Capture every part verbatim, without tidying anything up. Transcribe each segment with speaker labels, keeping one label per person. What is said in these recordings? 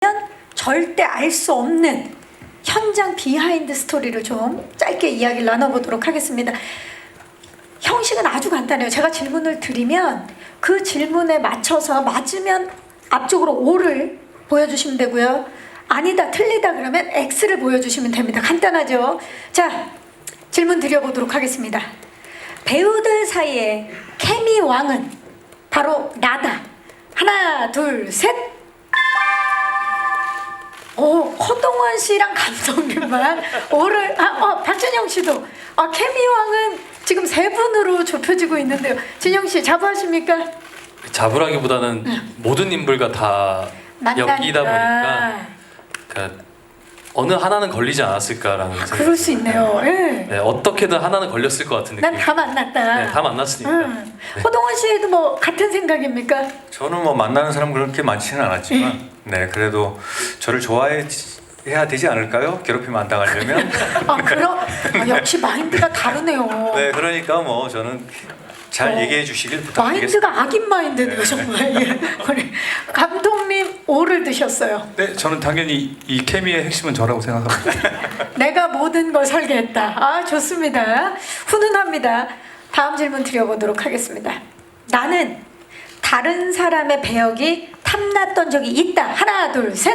Speaker 1: 아니면 절대 알 수 없는 현장 비하인드 스토리를 좀 짧게 이야기를 나눠보도록 하겠습니다. 형식은 아주 간단해요. 제가 질문을 드리면 그 질문에 맞춰서 맞으면 앞쪽으로 O를 보여주시면 되고요. 아니다, 틀리다 그러면 X를 보여주시면 됩니다. 간단하죠? 자, 질문 드려보도록 하겠습니다. 배우들 사이에 케미 왕은 바로 나다. 하나, 둘, 셋. 오, 허동원 씨랑 감독님만 오를 아, 어, 박진영 씨도 아, 케미 왕은 지금 세 분으로 좁혀지고 있는데요. 진영 씨 자부하십니까?
Speaker 2: 자부라기보다는
Speaker 1: 네.
Speaker 2: 모든 인물과 다
Speaker 1: 만나니까.
Speaker 2: 엮이다 보니까 그러니까 어느 하나는 걸리지 않았을까라는 생각이
Speaker 1: 그럴 수 있네요. 예.
Speaker 2: 네, 어떻게든 하나는 걸렸을 것 같은 느낌.
Speaker 1: 난 다 만났다.
Speaker 2: 네, 다 만났으니까.
Speaker 1: 응. 허동원 씨도 뭐 같은 생각입니까?
Speaker 3: 저는 뭐 만나는 사람 그렇게 많지는 않았지만 네 그래도 저를 좋아해야 되지 않을까요? 괴롭히면 안 당하려면.
Speaker 1: 아, 그럼 아, 역시 마인드가 다르네요.
Speaker 3: 네 그러니까 뭐 저는 잘
Speaker 1: 어,
Speaker 3: 얘기해 주시길 부탁드리겠습니다.
Speaker 1: 마인드가 악인 마인드네요,
Speaker 3: 네.
Speaker 1: 정말. 예. 우리 감독님 O를 드셨어요.
Speaker 4: 네, 저는 당연히 이 케미의 핵심은 저라고 생각합니다.
Speaker 1: 내가 모든 걸 설계했다. 아, 좋습니다. 훈훈합니다. 다음 질문 드려보도록 하겠습니다. 나는 다른 사람의 배역이 탐났던 적이 있다. 하나, 둘, 셋.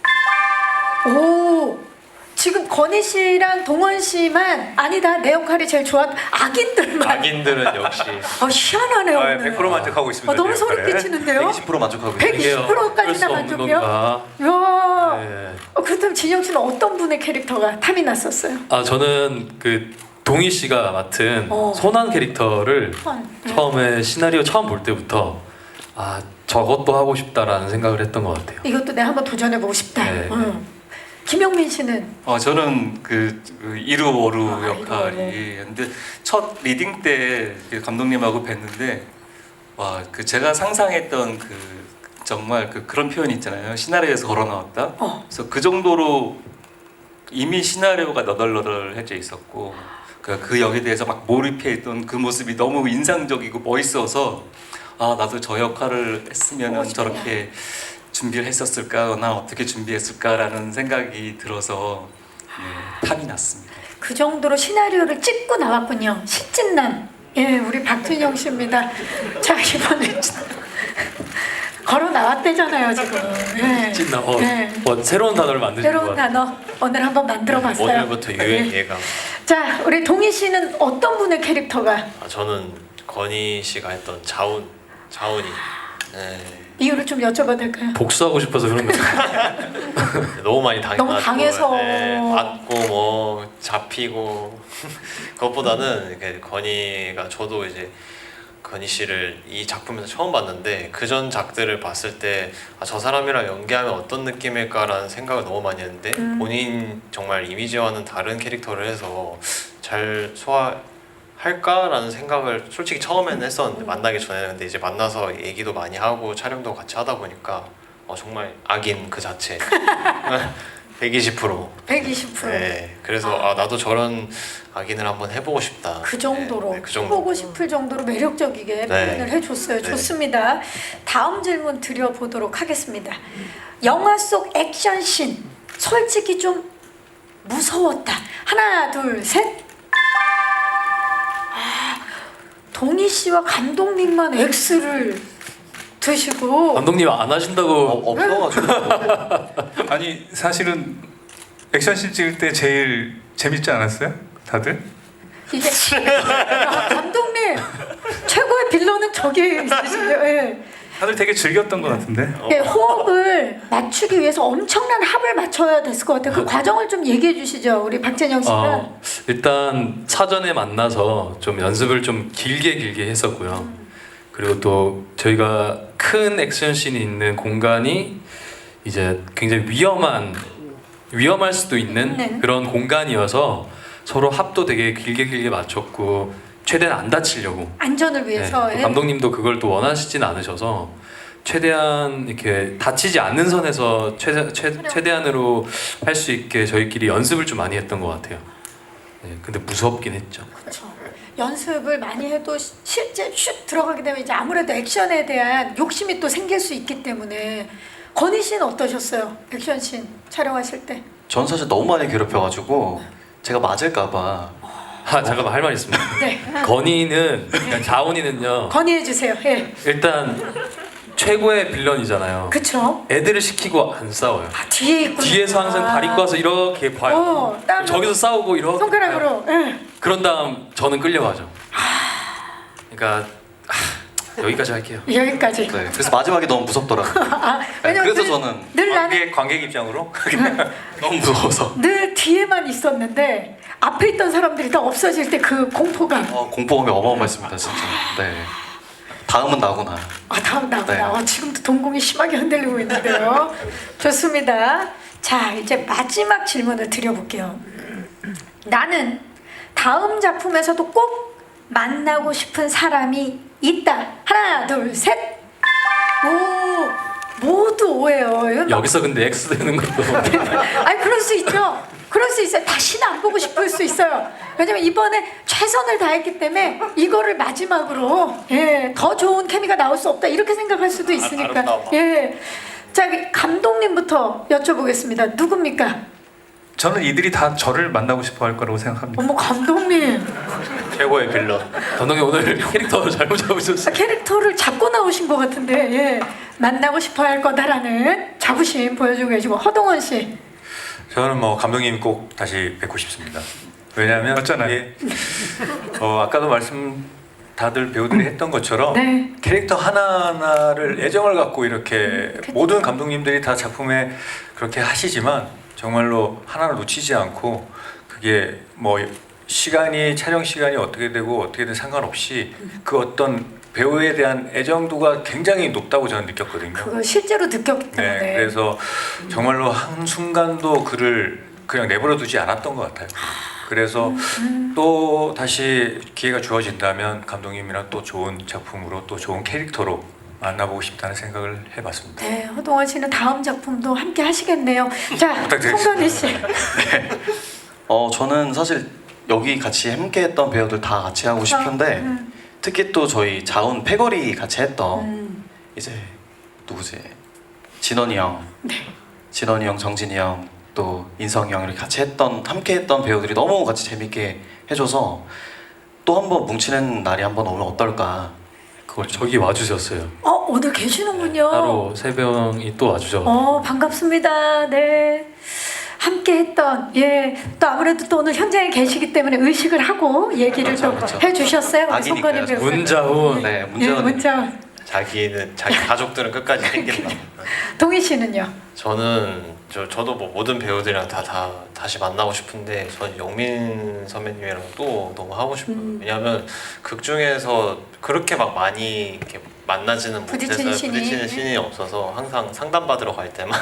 Speaker 1: 오, 지금 건희 씨랑 동원 씨만 아니다. 내 역할이 제일 좋았. 악인들만.
Speaker 2: 악인들은 역시
Speaker 1: 아, 희한하네요.
Speaker 3: 아,
Speaker 1: 오늘.
Speaker 3: 백 퍼센트 만족하고 있습니다.
Speaker 1: 아, 너무
Speaker 3: 네,
Speaker 1: 소름
Speaker 3: 역할에.
Speaker 1: 끼치는데요.
Speaker 3: 백이십 퍼센트 만족하고 있습니다.
Speaker 1: 백이십 퍼센트까지나
Speaker 2: 어쩔 수 없는
Speaker 1: 만족이요?
Speaker 2: 건가?
Speaker 1: 이야.
Speaker 2: 네.
Speaker 1: 어, 그렇다면 진영 씨는 어떤 분의 캐릭터가 탐이 났었어요?
Speaker 2: 아 저는 그 동희 씨가 맡은
Speaker 1: 어.
Speaker 2: 소난 캐릭터를
Speaker 1: 소난, 네.
Speaker 2: 처음에 시나리오 처음 볼 때부터 아 저것도 하고 싶다라는 생각을 했던 것 같아요.
Speaker 1: 이것도 내가 한번 도전해보고 싶다.
Speaker 2: 네.
Speaker 1: 응. 김영민 씨는
Speaker 5: 어 저는 그, 그 이루오루
Speaker 1: 아,
Speaker 5: 역할이 근데 첫 리딩 때그 감독님하고 뵀는데 와 그 제가 상상했던 그 정말 그 그런 표현 있잖아요. 시나리오에서 걸어 나왔다.
Speaker 1: 어.
Speaker 5: 그래서 그 정도로 이미 시나리오가 너덜너덜해져 있었고 그, 그 역에 대해서 막 몰입해 있던 그 모습이 너무 인상적이고 멋있어서 아 나도 저 역할을 했으면
Speaker 1: 멋있다.
Speaker 5: 저렇게 준비를 했었을까 나 어떻게 준비했을까라는 생각이 들어서 네, 탐이 났습니다.
Speaker 1: 그 정도로 시나리오를 찍고 나왔군요. 신진남. 예, 우리 박진영 씨입니다. 자, 이번에 걸어 나왔대잖아요, 지금. 예.
Speaker 2: 찐나 어,
Speaker 1: 네.
Speaker 2: 어, 새로운 단어를 만드신 것
Speaker 1: 새로운
Speaker 2: 같아요.
Speaker 1: 단어 오늘 한번 만들어봤어요.
Speaker 6: 오늘부터 유행
Speaker 1: 예.
Speaker 6: 예감.
Speaker 1: 자, 우리 동희 씨는 어떤 분의 캐릭터가
Speaker 6: 아, 저는 건희 씨가 했던 자운, 자운이 네,
Speaker 1: 이유를 좀 여쭤봐도 될까요?
Speaker 2: 복수하고 싶어서 그런 거죠.
Speaker 6: 너무 많이 당해가지고
Speaker 1: 너무 당해서.
Speaker 6: 네, 맞고 뭐 잡히고 그것보다는 이렇게 건희가 저도 이제 건희 씨를 이 작품에서 처음 봤는데 그전 작들을 봤을 때 아, 저 사람이랑 연기하면 어떤 느낌일까라는 생각을 너무 많이 했는데
Speaker 1: 음.
Speaker 6: 본인 정말 이미지와는 다른 캐릭터를 해서 잘 소화할까라는 생각을 솔직히 처음에는 했었는데 만나기 전에는 근데 이제 만나서 얘기도 많이 하고 촬영도 같이 하다 보니까 어, 정말 악인 그 자체 백이십 퍼센트
Speaker 1: 백이십 퍼센트.
Speaker 6: 네, 그래서 아 나도 저런 악인을 한번 해보고 싶다.
Speaker 1: 그 정도로
Speaker 6: 네, 네, 그 정도.
Speaker 1: 해보고 싶을 정도로 매력적이게
Speaker 6: 네.
Speaker 1: 표현을 해줬어요.
Speaker 6: 네.
Speaker 1: 좋습니다. 다음 질문 드려보도록 하겠습니다. 영화 속 액션씬 솔직히 좀 무서웠다. 하나, 둘, 셋. 아, 동희 씨와 감독님만 X를 드시고
Speaker 2: 감독님 안 하신다고
Speaker 3: 없어가지고
Speaker 4: 아니 사실은 액션씬 찍을 때 제일 재밌지 않았어요? 다들?
Speaker 1: 이게 아, 감독님 최고의 빌런은 저기 있으시네요. 예.
Speaker 4: 다들 되게 즐겼던 것 같은데.
Speaker 1: 예, 호흡을 맞추기 위해서 엄청난 합을 맞춰야 됐을 것 같아요. 그 과정을 좀 얘기해 주시죠, 우리 박재영 씨가.
Speaker 2: 어, 일단 사전에 만나서 좀 연습을 좀 길게 길게 했었고요. 그리고 또 저희가 큰 액션씬이 있는 공간이 이제 굉장히 위험한 위험할 수도 있는
Speaker 1: 네.
Speaker 2: 그런 공간이어서 서로 합도 되게 길게 길게 맞췄고 최대한 안 다치려고.
Speaker 1: 안전을
Speaker 2: 네,
Speaker 1: 위해서.
Speaker 2: 또
Speaker 1: 예.
Speaker 2: 감독님도 그걸 또 원하시진 않으셔서 최대한 이렇게 다치지 않는 선에서 최대, 최, 최대한으로 할 수 있게 저희끼리 연습을 좀 많이 했던 것 같아요. 네, 근데 무섭긴 했죠.
Speaker 1: 그렇죠. 연습을 많이 해도 시- 실제 슛 들어가게 되면 이제 아무래도 액션에 대한 욕심이 또 생길 수 있기 때문에 건희 씨는 어떠셨어요? 액션씬 촬영하실 때?
Speaker 7: 전 사실 너무 많이 괴롭혀가지고 제가 맞을까봐
Speaker 2: 아 잠깐만 할 말 있습니다.
Speaker 1: 네.
Speaker 2: 건희는 그러니까 자온이는요.
Speaker 1: 건의해 주세요. 예.
Speaker 2: 일단 최고의 빌런이잖아요.
Speaker 1: 그쵸?
Speaker 2: 애들을 시키고 안 싸워요.
Speaker 1: 아, 뒤에 있구나.
Speaker 2: 뒤에서 항상 다리 꽈서 이렇게 봐요.
Speaker 1: 어, 땀
Speaker 2: 저기서 싸우고 이렇게 봐요.
Speaker 1: 손가락으로. 예.
Speaker 2: 그런 다음 저는 끌려가죠. 그러니까 하, 여기까지 할게요.
Speaker 1: 여기까지.
Speaker 7: 네, 그래서 마지막에 너무 무섭더라고요.
Speaker 1: 아,
Speaker 7: 네,
Speaker 1: 왜냐면
Speaker 7: 그래서
Speaker 1: 늘,
Speaker 7: 저는
Speaker 1: 늘 나는
Speaker 3: 관객, 관객 입장으로
Speaker 7: 너무 무서워서
Speaker 1: 늘 뒤에만 있었는데 앞에 있던 사람들이 다 없어질 때 그 공포감.
Speaker 7: 어, 공포감이 어마어마했습니다 진짜. 네. 다음은 나구나.
Speaker 1: 아 다음 나오나.
Speaker 7: 네.
Speaker 1: 아, 지금도 동공이 심하게 흔들리고 있는데요. 좋습니다. 자 이제 마지막 질문을 드려볼게요. 나는 다음 작품에서도 꼭 만나고 싶은 사람이 있다. 하나 둘 셋. 오 모두 오예요. 이건 막-
Speaker 2: 여기서 근데 X 되는 것도
Speaker 1: 아니 그럴 수 있죠. 그럴 수 있어요. 다시는 안 보고 싶을 수 있어요. 왜냐면 이번에 최선을 다했기 때문에 이거를 마지막으로 예, 더 좋은 케미가 나올 수 없다 이렇게 생각할 수도 있으니까.
Speaker 7: 아름다워.
Speaker 1: 예. 자 감독님부터 여쭤보겠습니다. 누굽니까?
Speaker 4: 저는 이들이 다 저를 만나고 싶어 할 거라고 생각합니다.
Speaker 1: 어머 감독님
Speaker 7: 최고의 빌런.
Speaker 2: 감독님 오늘 캐릭터 잘못 잡으셨어요.
Speaker 1: 캐릭터를 잡고 나오신 것 같은데 예. 만나고 싶어 할 거다라는 자부심 보여주고 계시고 허동원 씨.
Speaker 3: 저는 뭐 감독님 꼭 다시 뵙고 싶습니다. 왜냐하면
Speaker 4: 맞잖아요.
Speaker 3: 이게, 어, 아까도 말씀 다들 배우들이 했던 것처럼
Speaker 1: 네.
Speaker 3: 캐릭터 하나하나를 애정을 갖고 이렇게
Speaker 1: 그쵸.
Speaker 3: 모든 감독님들이 다 작품에 그렇게 하시지만 정말로 하나를 놓치지 않고 그게 뭐 시간이 촬영 시간이 어떻게 되고 어떻게든 상관없이 그 어떤 배우에 대한 애정도가 굉장히 높다고 저는 느꼈거든요.
Speaker 1: 그거 실제로 느꼈기 때문에.
Speaker 3: 네, 그래서 정말로 한 순간도 그를 그냥 내버려 두지 않았던 것 같아요. 그래서 또 다시 기회가 주어진다면 감독님이랑 또 좋은 작품으로 또 좋은 캐릭터로 만나보고 싶다는 생각을 해봤습니다.
Speaker 1: 네, 허동원 씨는 다음 작품도 함께 하시겠네요. 자,
Speaker 3: 부탁드리겠습니다.
Speaker 1: 송건희 씨.
Speaker 7: 어 저는 사실 여기 같이 함께했던 배우들 다 같이 하고 싶은데
Speaker 1: 음,
Speaker 7: 특히 또 저희 자운 패거리 같이 했던
Speaker 1: 음.
Speaker 7: 이제 누구지? 진원이 형,
Speaker 1: 네.
Speaker 7: 진원이 형, 정진이 형, 또 인성이 형 이렇게 같이 했던 함께했던 배우들이 너무 같이 재밌게 해줘서 또 한 번 뭉치는 날이 한 번 오면 어떨까? 그걸 좀
Speaker 2: 저기 와주셨어요.
Speaker 1: 어, 오늘 계시는군요.
Speaker 2: 따로 세 명이 또 와주셔.
Speaker 1: 어, 반갑습니다. 네. 함께 했던, 예. 또 아무래도 또 오늘 현장에 계시기 때문에 의식을 하고 얘기를
Speaker 7: 그렇죠,
Speaker 1: 또
Speaker 7: 그렇죠.
Speaker 1: 해주셨어요. 우리
Speaker 7: 아기니까요,
Speaker 1: 송건희 배우.
Speaker 2: 문자훈.
Speaker 7: 네
Speaker 1: 예,
Speaker 7: 문제는
Speaker 1: 문자훈.
Speaker 6: 자기는 자기 가족들은 끝까지 챙긴다.
Speaker 1: 동희 씨는요?
Speaker 6: 저는 저 저도 뭐 모든 배우들이랑 다 다 다시 만나고 싶은데 전 영민 선배님이랑 또 너무 하고 싶어요.
Speaker 1: 음.
Speaker 6: 왜냐하면 극 중에서 그렇게 막 많이 이렇게 만나지는
Speaker 1: 부딪히는
Speaker 6: 못해서
Speaker 1: 신이.
Speaker 6: 부딪히는 신이 없어서 항상 상담 받으러 갈 때만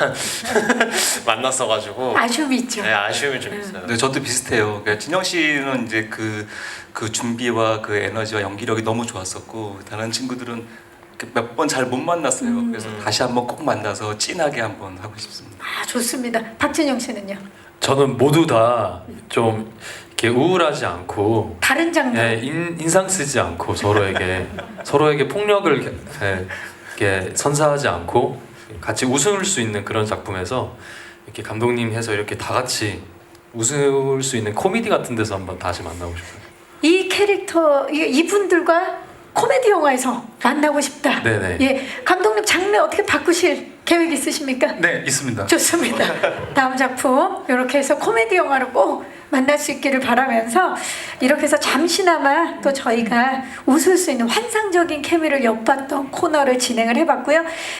Speaker 6: 만났어가지고
Speaker 1: 아쉬움이 있죠.
Speaker 6: 네, 아쉬움이 좀
Speaker 1: 음.
Speaker 6: 있어요.
Speaker 5: 네, 저도 비슷해요. 그러니까 진영 씨는 이제 그, 그 준비와 그 에너지와 연기력이 너무 좋았었고 다른 친구들은 몇 번 잘 못 만났어요.
Speaker 1: 음.
Speaker 5: 그래서 다시 한번 꼭 만나서 진하게 한번 하고 싶습니다.
Speaker 1: 아, 좋습니다. 박진영 씨는요?
Speaker 2: 저는 모두 다 좀 이렇게 우울하지 않고
Speaker 1: 다른 장르.
Speaker 2: 예, 인, 인상 쓰지 않고 서로에게 서로에게 폭력을 게- 예, 이렇게 선사하지 않고 같이 웃을 수 있는 그런 작품에서 이렇게 감독님 해서 이렇게 다 같이 웃을 수 있는 코미디 같은 데서 한번 다시 만나고 싶어요.
Speaker 1: 이 캐릭터 이- 이분들과 코미디 영화에서 만나고 싶다.
Speaker 2: 네네.
Speaker 1: 예, 감독님 장르 어떻게 바꾸실 계획 있으십니까?
Speaker 4: 네 있습니다.
Speaker 1: 좋습니다. 다음 작품 이렇게 해서 코미디 영화로 꼭 만날 수 있기를 바라면서 이렇게 해서 잠시나마 또 저희가 웃을 수 있는 환상적인 케미를 엿봤던 코너를 진행을 해봤고요.